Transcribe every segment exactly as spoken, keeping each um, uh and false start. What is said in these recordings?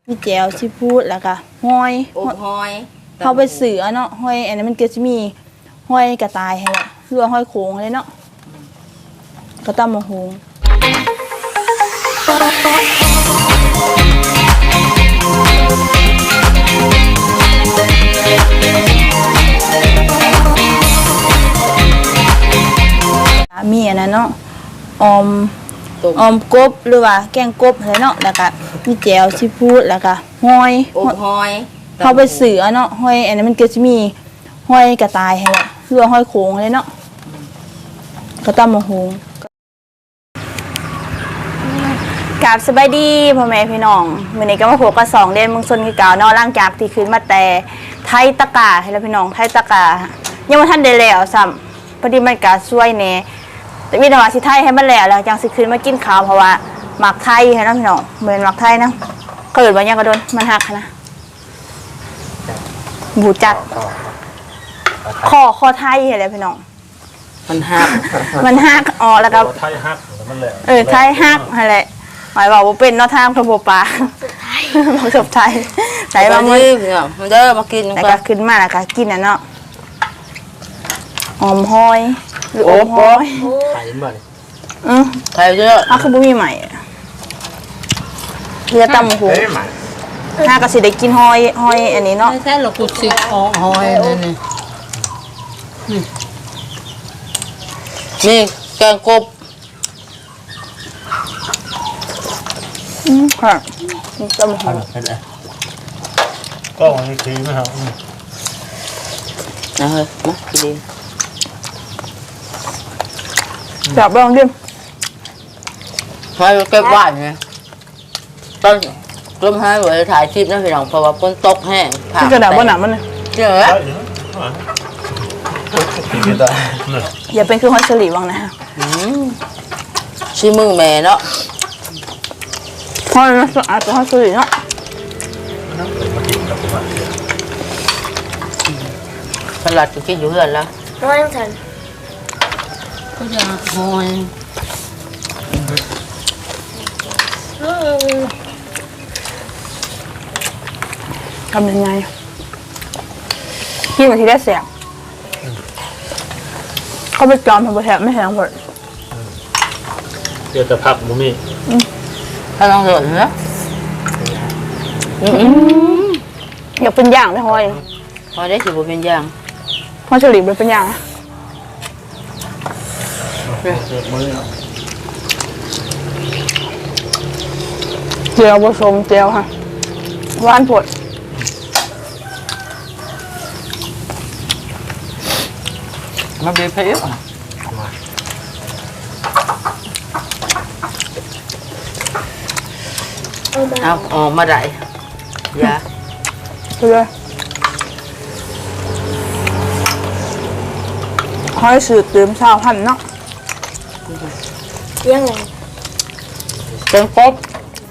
มีแจวซีฟู้ดแล้วก็ห้อยอบหอยเขาไปเสือเนาะห้อยอันนี้มันก็จะมีห้อยกระต่ายให้ละหรือว่าห้อยโขงเลยเนาะก็ตำมะฮุงมีอันนั้นเนาะออมออมกบหรือว่าแกงกบอะไรเนาะแล้วก็มีแจวซีฟู้ดแล้วก็ห้อยอบหอยเขาไปเสือเนาะห้อยอันนี้มันก็จะมีห้อยกระต่ายให้ละหรือว่าห้อยโขงเลยเนาะก็ตำมะฮุงกราบสบายดีพ่อแม่พี่น้องมื้อนี้ก็มาพบกับสองเดือนเมืองชนคือเก่าเนาะหลังจากที่ขึ้นมาแต่ไทยตะกาให้แล้วพี่น้องไทยตะกายังบ่ทันได้แล้วซ้ำพอดีมันก็ช่วยแหน่แต่มีแต่ว่าสิไทยให้มันแล้วแล้วจังสิขึ้นมากินข้าวเพราะว่าหมักไทยให้เนาะพี่น้องเหมือนหมักไทยนะเกิดว่ายังก็โดนมันหักนะบูจักคอคอไทยให้แล้วพี่น้องมันหักมันหักอ๋อแล้วก็ไทยหักมันแหละเออไทยหักอะไรหมายบอกว่าเป็นนอทามขบปลาบอกสุดไทยไหนมามือมาเด้อมากินแล้วก็ขึ้นมาแล้วก็กินอ่ะเนาะหอมหอยหรืออมหอยไทยบ่นี่อือไทยเยอะอ้าวคือบ่มีใหม่เรือตำหูถ้าก็สิได้กินหอยหอยอันนี้เนาะใช่เราขุดสิออกหอยนี่นี่นี่แกงกบอืมค่ะตำหูก็วันนี้คือไม่เอานะเฮ้ยมากินจับลองดิหอยเก็บไว้ไงต้นต้นหอยไว้ถ่ายคลิปนะพี่น้องเพราะว่าฝนตกแห้งที่กระดาษบนหนามันเลยเจ๋ออย่าเป็นคือหอยสลีวังนะฮะชิมือแม่เนาะหอยมันสะอาดกว่าหอยสลีเนาะสลัดก็กินอยู่เรือนแล้วหอยฉันก็จะหอยทำยังไงกินมาทีได้เสียงเขาไปจอมทำไปแทบไม่แทงหมดเดี๋ยวจะพักมุมี่ถ้าลองสดนะอยากเป็นย่างได้หอยหอยได้สิบเป็นย่างหอยเฉลี่ยเป็นย่างนะเจียวผสมเจียวค่ะหวานผดมาเบรเพย์เอาออกมาได้ยาไปเลยหอยสืบเติมชาวพันเนาะยังไงเป็นกบ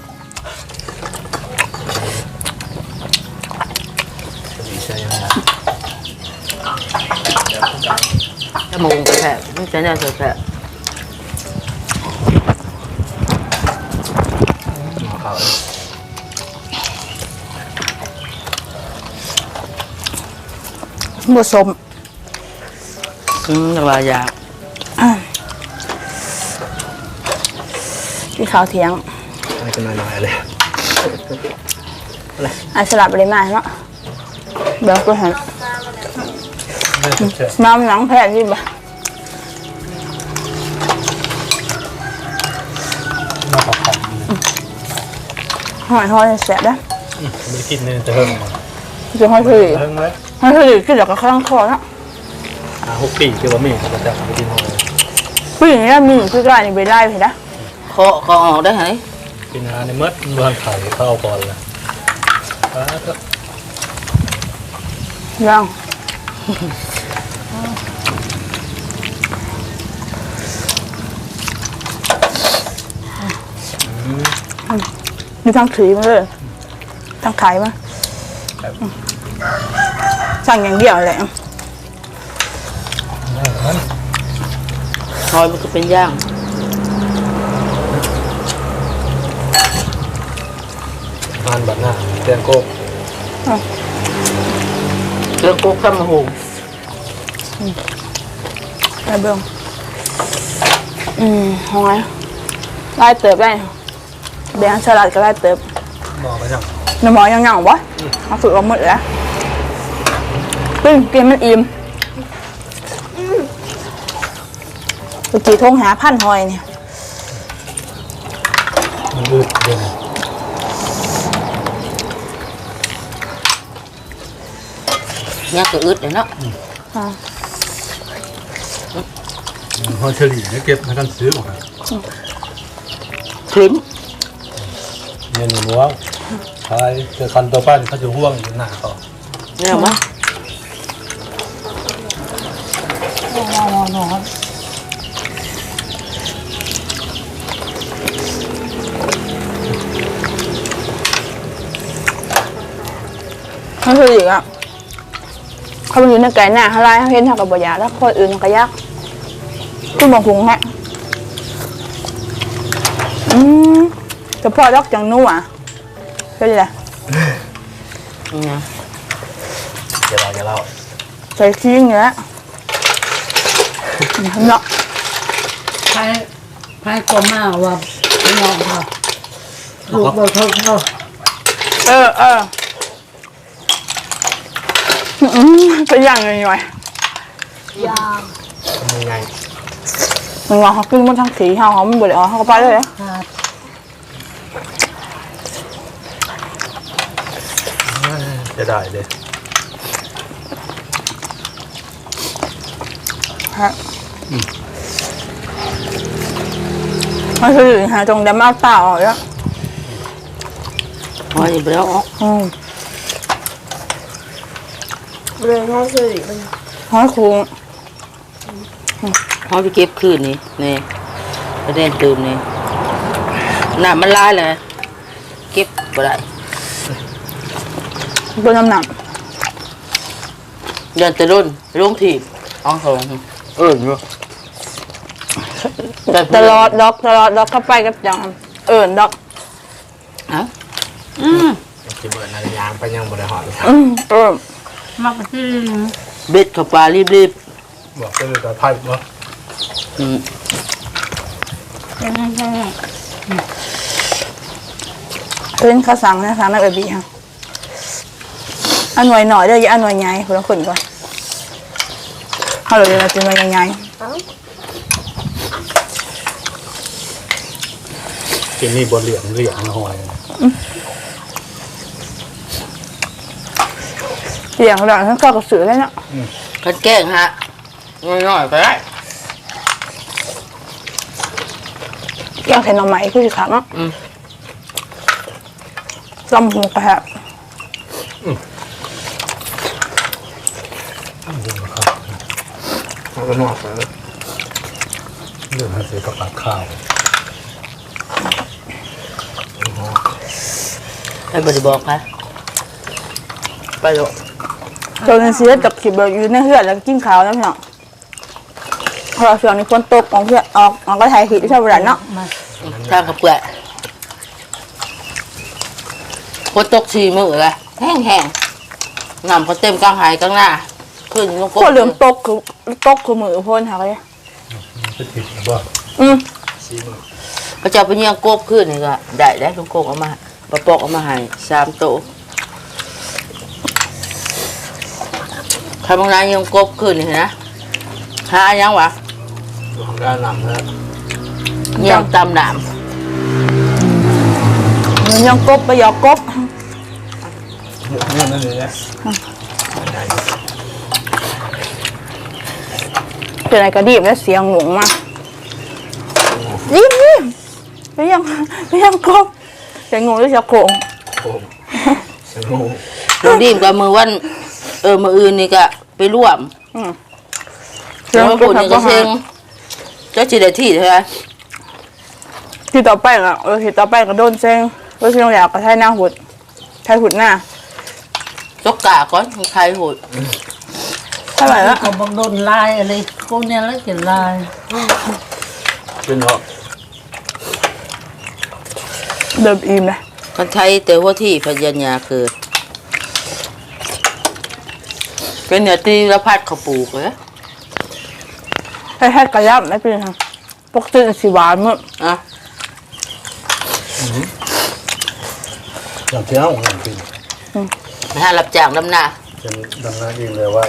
จะมุงไปแผลไม่ใช่แนวแผลผสมอืมระบายยาที่ข้าวเที่ยงไม่จะน้อยๆเลยอันสลับไปเลยมาเนาะเดี๋ยวก็เห็นน้ำหนังแผ่นที่บ้ามาผัดผัดหอยหอยแสบได้ไม่กินเนี่ยจะเพิ่มจะหอยถือเพิ่มเลยหอยถือกินจากกระข้างคอเนาะหกปีคือว่ามีเขาจะไปกินหอยผู้หญิงนี่มีคือกลายในใบได้เห็นไหมคอคอออกได้ไหมกินอาหารในมดรวนไข่เข้าก่อนเลยยังมีทั้งถือมาเลยทั้งขายมาสั่งอย่างเดียวเลยหอยมันก็เป็นย่างมาานแบบหน้าแตงโก้เรื่องกุ๊กข้ามหูไอ้เบิ้งอืมหอยไล่เติบได้แบงสลัดก็ไล่เติบบอกไปยังน้ำหมอยังยังวะเอาฝึกเอาหมดแล้วตึ้งกินมันอิ่มเมื่อกี้โทงหาพันหอยเนี่ยมันอืดเดี๋ยวเนี่ยก็อึดเลยเนาะอ่าพอเฉลี่ยเนี่ยเก็บในการซื้อหมดคลิ้มเงินหนูว่าใช่เจอคันตัวป้านเขาจะห่วงอยู่หน้าเขาเนี่ยมั้ยเขาคืออีกอ่ะเขาไปอยู่ในไก่หน้าเขาไล่เขาเห็นเขากับบอยาแล้วคนอื่นเขาก็ยากคุณบอกหุงฮะอืมเฉพาะดอกจังนู่อ่ะเป็นไรเนี่ยเดี๋ยวเราจะเล่าใส่ขี้เงี้ยเนาะใครใครก็มาว่าไม่ยอมค่ะลูกบ่ทนเนาะเออเอออืมเป็นอย่างไงหน่อยยามยังไงมันว่าเขาขึ้นบนทางสีเขาเขาไม่เบื่อเขาก็ไปเลยขาดจะได้เลยฮะมันคือหาตรงเดมาเปล่าอ่ะหอยไปแล้วออกอืมเรื่องเขาคือมันหอยคุ้งหอยไปเก็บคืนนี่นี่ประเด็นตื่มนี่น้ำมันลายเลยเก็บบ่ได้เป็นน้ำหนักเดินแต่รุ่นลงถีบอ๋อสองเอออยู่ตลอดดอกตลอดดอกเข้าไปกับจังเอิญดอกเอ้าอืมจะเบิร์นอะไรยางไปยังบริหารอืมเออมักที่เบ็ดเข้าปลารีบบอกก็เลยแต่ไพ่เนาะๆอืมยังไงยังไงเป็นข้าวสังนะสังนักเอบีค่ะอันหน่วยหน่อยเด้ออย่าอันหน่วยใหญ่คนละคนก่อนเขาเลยจะเป็นหน่วยใหญ่กินนี่บนเหลี่ยมเหลี่ยมหอยเสียงหลังทั้งข้าวกับเสือเลยเนาะคันแกล้งฮะน้อยๆไปได้อยากเห็นหน่อไม้คือสิครับเนาะอืมลำหูกระแทกแล้วก็นอกไปเรื่องให้เสียกับปากข้าวให้บริบอกค่ะไปดูตัวนี้เสียจากขีดแบบอยู่ในเหือดแล้วกินขาวแล้วพี่น้องพอช่วงนี้ฝนตกของเพื่อนออกออกก็ถ่ายขีดที่ชอบร้านเนาะมาทางกับเปลือกฝนตกชีมือเลยแห้งๆน้ำเขาเต็มกลางหายกลางหน้าขึ้นลงพวกเหลือมตกคือตกคือมือพ่นค่ะเลยจะติดหรือเปล่าอืมซีมือเขาจะเอาไปเยี่ยงกบขึ้นนี่ก็ได้ได้ลุงโกกเอามาปะปอกเอามาให้สามโตทำบางรายเยี่ยงกบขึ้นนี่นะหายังวะอยู่ข้างด้านหลังนะเยี่ยงตำหนามเหมือนยังกบไปหยอกกบนี่นั่นเลยนะเป็นอะไรกระดิบแล้วเสียงหลงมากรีบรีบไปยังไปยังกบเสียงงงด้วยเสียงโขงโอ้สนุกลูกดีมกับมือวันเออมืออื่นนี่ก็ไปร่วมอืมแล้วมาปุ่นนี่ก็เซ็งเจ้าจีได้ที่ใช่ไหมที่ต่อไปอ่ะเออที่ต่อไปก็โดนเซ็งก็เซ็งอยากกระไทยหน้าหุดไทยหุดหน้าจกกาก่อนใครโหดเท่าไหร่ละเขาบังโดนลายอะไรพวกเนี้ยแล้วเขียนลายเป็นหรอเดิมอิ่มเลยคนไทยแต่ว่าที่พยัญญาเกิดเป็นเนื้อตีละพัดเขาปลูกเหรอให้ให้กระยับไม่เป็นไรปกติสีหวานมั้งอ่ะอย่างเที่ยวอย่างกินไปหารับจ้างดำนาจะดำน้ำเองเลยว่า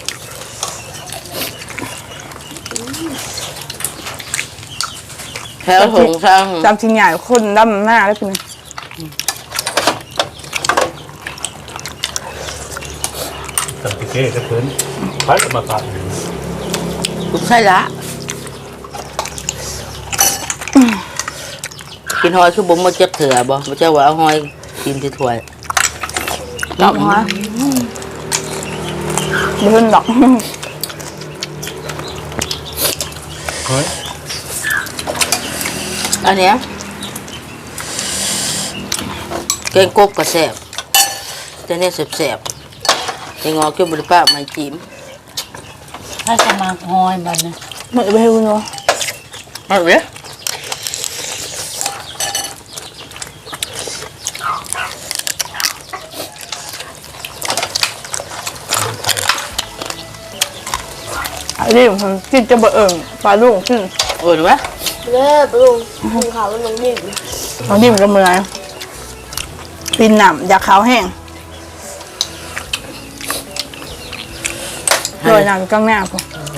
แถวถงช่างจำจริงใหญ่คนดำหน้าแล้วเป็นสังเกตก็เพิ่นพัดมาขาดคุณใช่ละกินหอยคือบ่มาเจ็บเถื่อบ่บ่เจ้าว่าเอาหอยกินที่ถ้วยดอกฮะเดินดอกเฮ้ยอันเนี้ยแกงกบกระแสบแต่เนี่ยแสบๆแกงงอคือบริป้าไม่จิ้มถ้าจะมาหอยบัดนะเหมือนไปให้คุณเนาะเอาเว้ยไอ้นี่ผมกินจะเบื่อเอิ่มปลาลูกขึ้นโอ้ยไหมเลิกลุงลุงขาวมันลงดิบตอนนี้มันก็เมื่อยปีนหนำอยากขาวแห้งโรยน้ำกลางหน้าผม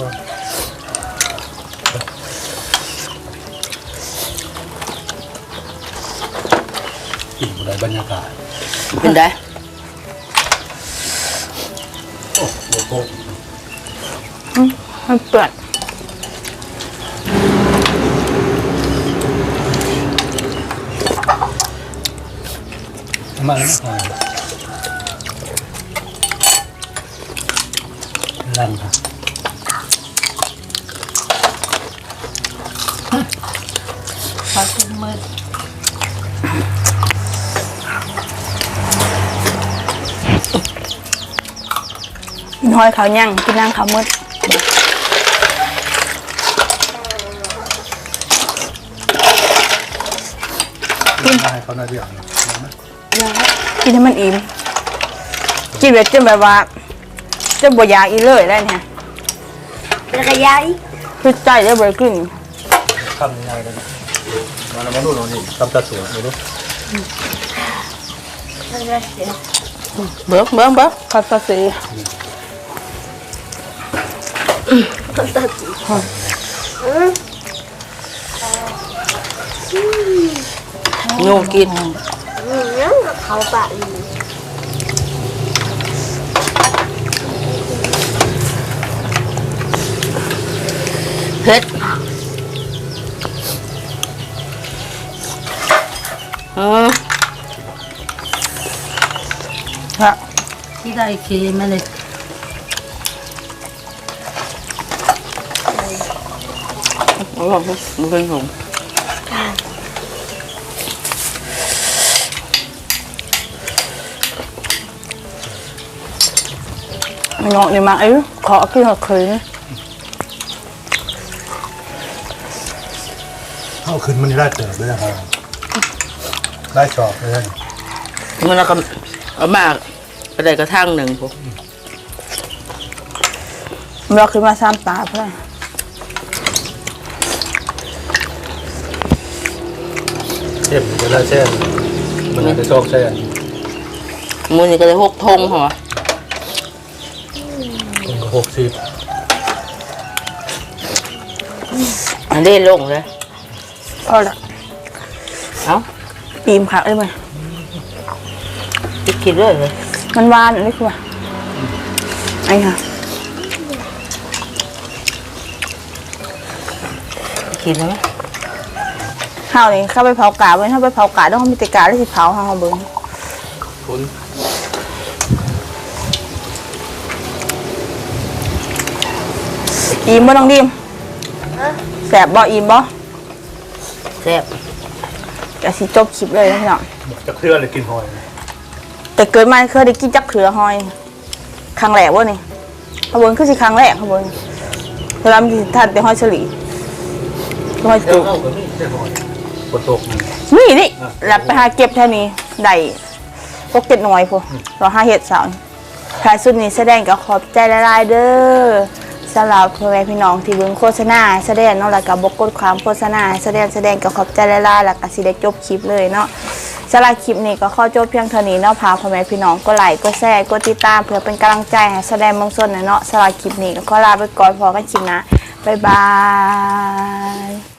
กินอะไรบรรยากาศเป็นได้โอ้โหโก้มันเปื่อยมาแล้วอ่าลังค่ะปลาตุ้มมืดกินหอยขาวย่างกินนางขาวมืดกินได้เขาหน้าเดียวนะกินให้มันอิ่มกินแบบจนแบบว่าจะบ่อยากอีเลยได้เนี่ยแล้วก็ย้ายคือใจจะบ่ขึ้นทำยังไงกันมาแล้วมาดูหน่อยนี่ทำตาสวยดูดูแล้วก็เสียเบิ้งเบิ้งเบิ้งคัสซีโยงกินอืมแล้วก็เขาปะอยู่เผ็ดอืมฮะที่ได้เคมาเลยอร่อยมันเป็นหงมันงอกนี่มาเอ้ยขอกินหัวเคยนะเอาขึ้นมันได้เติบด้วยนะครับได้ชอบเลยมันแล้วก็เอามากกระไดกระทั่งหนึ่งพวกเราขึ้นมาสามตาเพื่อนเช่นจะได้เช่นมันอาจจะชอบเช่นมือนี่ก็เลยหกทงเหรอคนก็หกสิบอันนี้ลงเลยเอาละเอ้าปีมขาเอ้ยไหมคิดคิดด้วยเลยมันหวานอันนี้คือว่าไอ้ค่ะคิดไหมข้าวนี่เข้าไปเผากาไว้ถ้าไปเผากาต้องมีแต่กาได้สิเผาข้าวเบิ้งคุณอิ่มบ่ต้องดิมแสบบ่อิ่มบ่แซ่บจะสิจบคลิปเลยนะพี่น้องจะเคลื่อนเลยกินหอยแต่เกิดมาเคยได้กินจักเขือหอยครั้งแรกวะนี่ข้าวเบิ้งคือสิครั้งแรกข้าวเบิ้งเวลามันสิทานแต่หอยเฉลี่ยหอยเจ้าจุกเข้ากับนี่ใช่หอยฝนตกนี่นี่นี่หลับไปหาเก็บเท่านี้ได้พวกเก็ดหน่อยพวกรอห้าเห็ดสาวแพรสุดนี้แสดงก็ขอบใจละลายเด้อสำหรับพ่อแม่พี่น้องที่เบิ่งโฆษณาแสดงเนาะแล้วก็บกดความโฆษณาแสดงแสดงก็ขอบใจละลายแล้วก็สิได้จบคลิปเลยเนาะสำหรับคลิปนี้ก็ขอจบเพียงเท่านี้เนาะพาพ่อแม่พี่น้องก็ไลค์ก็แชร์ก็ติดตามเพื่อเป็นกำลังใจให้แสดงเมืองส้นเนาะสำหรับคลิปนี้ก็ขอลาไปก่อนพอกันคลิปหนะบ๊ายบาย